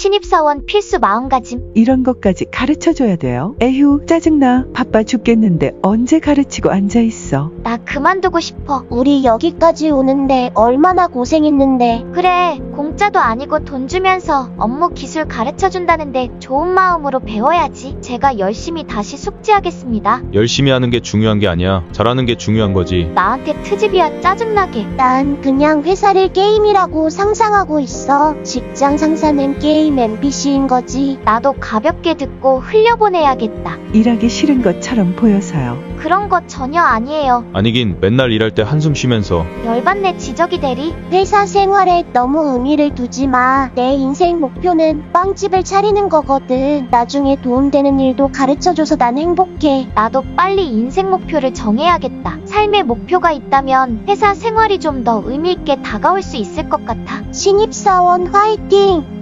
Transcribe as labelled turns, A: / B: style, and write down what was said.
A: 신입사원 필수 마음가짐.
B: 이런 것까지 가르쳐줘야 돼요? 에휴, 짜증나. 바빠 죽겠는데 언제 가르치고 앉아있어.
A: 나 그만두고 싶어.
C: 우리 여기까지 오는데 얼마나 고생했는데.
A: 그래, 공짜도 아니고 돈 주면서 업무 기술 가르쳐준다는데 좋은 마음으로 배워야지. 제가 열심히 다시 숙지하겠습니다.
D: 열심히 하는 게 중요한 게 아니야. 잘하는 게 중요한 거지.
A: 나한테 트집이야, 짜증나게.
C: 난 그냥 회사를 게임이라고 상상하고 있어. 직장 상사는 게임 NPC인 거지.
A: 나도 가볍게 듣고 흘려보내야겠다.
B: 일하기 싫은 것처럼 보여서요.
A: 그런 거 전혀 아니에요.
D: 아니긴 맨날 일할 때 한숨 쉬면서
A: 열받네, 지적이 대리.
C: 회사 생활에 너무 의미를 두지 마. 내 인생 목표는 빵집을 차리는 거거든. 나중에 도움되는 일도 가르쳐줘서 난 행복해.
A: 나도 빨리 인생 목표를 정해야겠다. 삶의 목표가 있다면 회사 생활이 좀 더 의미있게 다가올 수 있을 것 같아.
C: 신입사원 화이팅!